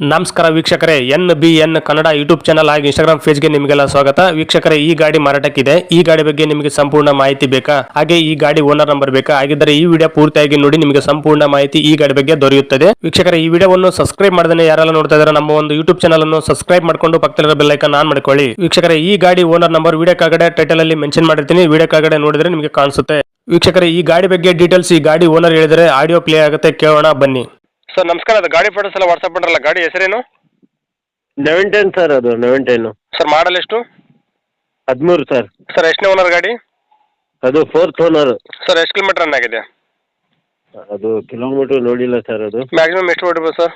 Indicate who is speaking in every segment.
Speaker 1: ನಮಸ್ಕಾರ ವೀಕ್ಷಕರೇ, NBN Kannada YouTube channel ಹಾಗೂ ಇನ್ಸ್ಟಾಗ್ರಾಮ್ ಪೇಜ್ಗೆ ನಿಮಗೆಲ್ಲ ಸ್ವಾಗತ. ವೀಕ್ಷಕರೇ, ಈ ಗಾಡಿ ಮಾರಾಟಕ್ಕಿದೆ. ಈ ಗಾಡಿ ಬಗ್ಗೆ ನಿಮಗೆ ಸಂಪೂರ್ಣ ಮಾಹಿತಿ ಬೇಕಾ? ಹಾಗೆ ಈ ಗಾಡಿ ಓನರ್ ನಂಬರ್ ಬೇಕಾ? ಹಾಗಿದ್ದರೆ ಈ ವಿಡಿಯೋ ಪೂರ್ತಿಯಾಗಿ ನೋಡಿ, ನಿಮಗೆ ಸಂಪೂರ್ಣ ಮಾಹಿತಿ ಈ ಗಾಡಿ ಬಗ್ಗೆ ದೊರೆಯುತ್ತದೆ. ವೀಕ್ಷಕರೇ, ಈ ವಿಡಿಯೋವನ್ನು ಸಬ್ಸ್ಕ್ರೈಬ್ ಮಾಡದೇ ಯಾರೆಲ್ಲ ನೋಡ್ತಾ ಇದ್ದಾರೆ ನಮ್ಮ ಒಂದು ಯೂಟ್ಯೂಬ್ ಚಾನಲ್ ಅನ್ನು ಸಬ್ಸ್ಕ್ರೈಬ್ ಮಾಡ್ಕೊಂಡು ಪಕ್ಕದಲ್ಲಿರೋ ಬೆಲ್ ಐಕಾನ್ ಆನ್ ಮಾಡ್ಕೊಳ್ಳಿ. ವೀಕ್ಷಕರೇ, ಈ ಗಾಡಿ ಓನರ್ ನಂಬರ್ ವಿಡಿಯೋ ಕೆಳಗಡೆ ಟೈಟಲ್ ಅಲ್ಲಿ ಮೆನ್ಷನ್ ಮಾಡಿರ್ತೀನಿ, ವಿಡಿಯೋ ಕೆಳಗಡೆ ನೋಡಿದ್ರೆ ನಿಮಗೆ ಕಾಣಿಸುತ್ತೆ. ವೀಕ್ಷಕರೇ, ಈ ಗಾಡಿ ಬಗ್ಗೆ ಡೀಟೇಲ್ಸ್ ಈ ಗಾಡಿ ಓನರ್ ಹೇಳಿದರೆ ಆಡಿಯೋ ಪ್ಲೇ ಆಗುತ್ತೆ, ಕೇಳೋಣ ಬನ್ನಿ. ಸರ್ ನಮಸ್ಕಾರ, ಅದು ಗಾಡಿ ಫೋಟೋಸ್ ಎಲ್ಲ ವಾಟ್ಸ್ಆಪ್ ಮಾಡಲ್ಲ. ಗಾಡಿ ಹೆಸರೇನು?
Speaker 2: 910 ಸರ್, ಅದು 910.
Speaker 1: ಸರ್ ಮಾಡಲ್ ಎಷ್ಟು?
Speaker 2: 13 ಸರ್.
Speaker 1: ಸರ್ ಎಷ್ಟನೇ ಓನರ್ ಗಾಡಿ?
Speaker 2: ಅದು 4th ಓನರ್.
Speaker 1: ಸರ್ ಎಷ್ಟು ಕಿಲೋಮೀಟರ್ ರನ್ ಆಗಿದೆ?
Speaker 2: ಅದು ಕಿಲೋಮೀಟರ್ ನೋಡಿಲ್ಲ ಸರ್. ಅದು
Speaker 1: ಮ್ಯಾಕ್ಸಿಮಮ್ ಎಷ್ಟು ಹೊಡಿಬೋದು ಸರ್?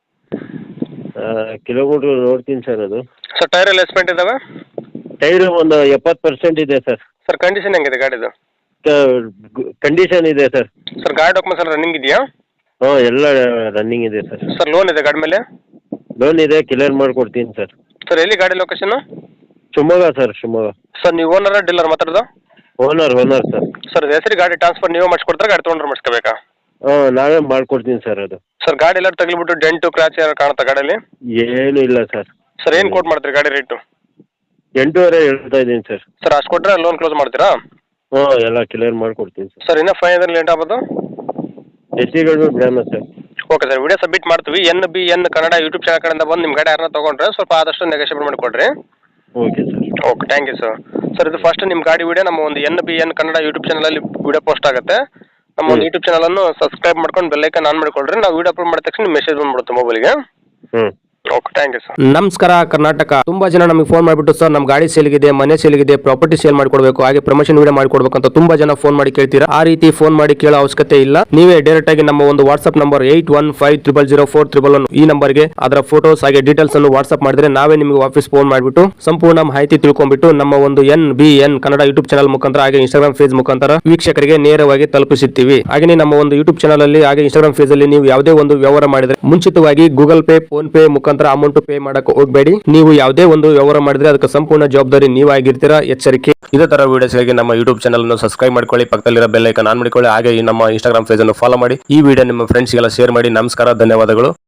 Speaker 2: ಕಿಲೋಮೀಟರ್ ನೋಡ್ತೀನಿ ಸರ್. ಅದು
Speaker 1: ಸರ್ ಟೈರ್ ಎಲ್ಲ ಎಸ್ಪೆಂಟ್ ಇದಾವೆ?
Speaker 2: ಟೈರ್ ಒಂದು 70% ಇದೆ ಸರ್.
Speaker 1: ಸರ್ ಕಂಡೀಷನ್ ಹೆಂಗಿದೆ ಗಾಡಿದು?
Speaker 2: ಕಂಡೀಷನ್ ಇದೆ ಸರ್.
Speaker 1: ಸರ್ ಗಾಡಿ ಡಾಕ್ಯುಮೆಂಟ್ಸ್ ಎಲ್ಲ ರನ್ನಿಂಗ್ ಇದೆಯಾ?
Speaker 2: ಎಲ್ಲ ರನ್ನಿಂಗ್ ಇದೆ ಸರ್.
Speaker 1: ಸರ್ ಲೋನ್ ಇದೆ ಗಾಡಿ ಮೇಲೆ?
Speaker 2: ಲೋನ್ ಇದೆ, ಕ್ಲಿಯರ್ ಮಾಡಿಕೊಡ್ತೀನಿ ಸರ್.
Speaker 1: ಸರ್ ಎಲ್ಲಿ ಗಾಡಿ location?
Speaker 2: Shivamogga sir, Shivamogga.
Speaker 1: Sir ನೀವು ಓನರ್ ಡೀಲರ್ ಮಾತಾಡೋದು?
Speaker 2: Owner sir.
Speaker 1: ಸರ್ ಹೆಸರು ಗಾಡಿ ಟ್ರಾನ್ಸ್ಫರ್ ನೀವೇ ಮಾಡಿಸ್ಕೊಡ್ತಾರೆ, ಗಾಡಿ ತೊಗೊಂಡ್ರೆ ಮಾಡಿಸ್ಕೋಬೇಕಾ?
Speaker 2: ನಾವೇ ಮಾಡ್ಕೊಡ್ತೀನಿ ಸರ್. ಅದು
Speaker 1: ಸರ್ ಗಾಡಿ ಎಲ್ಲ ತಗ್ಲಿಬಿಟ್ಟು ಡೆಂಟು ಕ್ರಾಚ್ ಏನಾರು ಕಾಣುತ್ತಾ ಗಾಡಿಯಲ್ಲಿ?
Speaker 2: ಏನು ಇಲ್ಲ ಸರ್.
Speaker 1: ಸರ್ ಏನು ಕೋಟ್ ಮಾಡ್ತೀರಿ ಗಾಡಿ ರೇಟು?
Speaker 2: 8.5 ಹೇಳ್ತಾ ಇದ್ದೀನಿ ಸರ್.
Speaker 1: ಸರ್ ಅಷ್ಟು ಕೊಟ್ಟರೆ ಲೋನ್ ಕ್ಲೋಸ್ ಮಾಡ್ತೀರಾ?
Speaker 2: ಎಲ್ಲ ಕ್ಲಿಯರ್ ಮಾಡಿಕೊಡ್ತೀನಿ ಸರ್.
Speaker 1: ಸರ್ ಇನ್ನೂ 500 ಲೇಟ್ ಆಗ್ಬೋದು?
Speaker 2: ಹೆಚ್ಚಿಗೆ ಬಿಡೋಣ sir.
Speaker 1: Okay sir, video submit ಮಾಡ್ತೀವಿ. NBN ಕನ್ನಡ ಯೂಟ್ಯೂಬ್ ಚಾನಲ್ ಕಡೆಯಿಂದ ಬಂದು ನಿಮ್ಮ ಗಾಡಿ ಯಾರನ್ನ ತೊಗೊಂಡ್ರೆ ಸ್ವಲ್ಪ ಆದಷ್ಟು ನೆಗೋಷಿಯೇಟ್ ಮಾಡಿಕೊಡ್ರಿ.
Speaker 2: Okay sir.
Speaker 1: Okay, thank you sir. Sir ಇದು ಫಸ್ಟ್ ನಿಮ್ಮ ಗಾಡಿ ವಿಡಿಯೋ ನಮ್ಮ ಒಂದು NBN ಕನ್ನಡ ಯೂಟ್ಯೂಬ್ ಚಾನಲಲ್ಲಿ ವಿಡಿಯೋ ಪೋಸ್ಟ್ ಆಗುತ್ತೆ. ನಮ್ಮ ಒಂದು ಯೂಟ್ಯೂಬ್ ಚಾನಲನ್ನು ಸಬ್ಸ್ಕ್ರೈಬ್ ಮಾಡ್ಕೊಂಡು ಬೆಲ್ ಐಕಾನ್ ಆನ್ ಮಾಡಿಕೊಡ್ರಿ. ನಾವು ವಿಡಿಯೋ ಅಪ್ಲೋಡ್ ಮಾಡಿದ ತಕ್ಷಣ ಮೆಸೇಜ್ ಬಂದ್ಬಿಡುತ್ತೆ ಮೊಬೈಲ್ಗೆ. Okay, thank you sir. ನಮಸ್ಕಾರ ಕರ್ನಾಟಕ. ತುಂಬಾ ಜನ ನಮಗೆ ಫೋನ್ ಮಾಡಿಬಿಟ್ಟು ಸರ್ ನಮ್ಮ ಗಾಡಿ ಸೇಲ್ಗಿದೆ, ಮನೆ ಸೇಲ್ಗಿದೆ, ಪ್ರಾಪರ್ಟಿ ಸೇಲ್ ಮಾಡ್ಕೊಡ್ಬೇಕು, ಹಾಗೆ ಪ್ರಮೋಷನ್ ವಿಡಿಯೋ ಮಾಡ್ಕೊಡ್ಬೇಕು ಅಂತ ತುಂಬಾ ಜನ ಫೋನ್ ಮಾಡಿ ಕೇಳ್ತೀರಾ. ಆ ರೀತಿ ಫೋನ್ ಮಾಡಿ ಕೇಳೋ ಅವಶ್ಯಕತೆ ಇಲ್ಲ. ನೀವೇ ಡೈರೆಕ್ಟ್ ಆಗಿ ನಮ್ಮ ಒಂದು ವಾಟ್ಸ್ಆಪ್ ನಂಬರ್ 81500411 ಈ ನಂಬರ್ಗೆ ಅದರ ಫೋಟೋಸ್ ಹಾಗೆ ಡೀಟೇಲ್ಸ್ ಅನ್ನು ವಾಟ್ಸ್ಆಪ್ ಮಾಡಿದ್ರೆ ನಾವೇ ನಿಮಗೆ ವಾಪಸ್ ಫೋನ್ ಮಾಡಿಬಿಟ್ಟು ಸಂಪೂರ್ಣ ಮಾಹಿತಿ ತಿಳ್ಕೊಂಡ್ಬಿಟ್ಟು ನಮ್ಮ ಒಂದು NBN ಕನ್ನಡ ಯೂಟ್ಯೂಬ್ ಚಾನಲ್ ಮುಖಾಂತರ ಹಾಗೆ ಇನ್ಸ್ಟಾಗ್ರಾಮ್ ಪೇಜ್ ಮುಖಾಂತರ ವೀಕ್ಷಕರಿಗೆ ನೇರವಾಗಿ ತಲುಪಿಸುತ್ತೀವಿ. ಹಾಗೆ ನಮ್ಮ ಒಂದು ಯೂಟ್ಯೂಬ್ ಚಾನಲ್ ಅಲ್ಲಿ ಹಾಗೆ ಇನ್ಸ್ಟಾಗ್ರಾಮ್ ಪೇಜ್ ಅಲ್ಲಿ ನೀವು ಯಾವುದೇ ಒಂದು ವ್ಯವಹಾರ ಮಾಡಿದ್ರೆ ಮುಂಚಿತವಾಗಿ ಗೂಗಲ್ ಪೇ, ಫೋನ್ ಪೇ ಮುಖಾಂತರ ಅಮೌಂಟ್ ಪೇ ಮಾಡಕ್ಕೆ ಹೋಗಬೇಡಿ. ನೀವು ಯಾವುದೇ ಒಂದು ವ್ಯವಹಾರ ಮಾಡಿದ್ರೆ ಅದಕ್ಕೆ ಸಂಪೂರ್ಣ ಜವಾಬ್ದಾರಿ ನೀವಾಗಿರ್ತೀರಾ, ಎಚ್ಚರಿಕೆ. ಇದೇ ತರ ವಿಡಿಯೋಸ್ಗಾಗಿ ನಮ್ಮ ಯೂಟ್ಯೂಬ್ ಚಾನಲ್ ಅನ್ನು ಸಬ್ಸ್ಕ್ರೈಬ್ ಮಾಡ್ಕೊಳ್ಳಿ, ಪಕ್ಕದಲ್ಲಿರೋ ಬೆಲ್ ಐಕಾನ್ ಆನ್ ಮಾಡಿಕೊಳ್ಳಿ, ಹಾಗೆ ನಮ್ಮ ಇನ್ಸ್ಟಾಗ್ರಾಮ್ ಪೇಜ್ ಅನ್ನು ಫಾಲೋ ಮಾಡಿ. ಈ ವಿಡಿಯೋ ನಿಮ್ಮ ಫ್ರೆಂಡ್ಸ್ಗೆಲ್ಲ ಶೇರ್ ಮಾಡಿ. ನಮಸ್ಕಾರ, ಧನ್ಯವಾದಗಳು.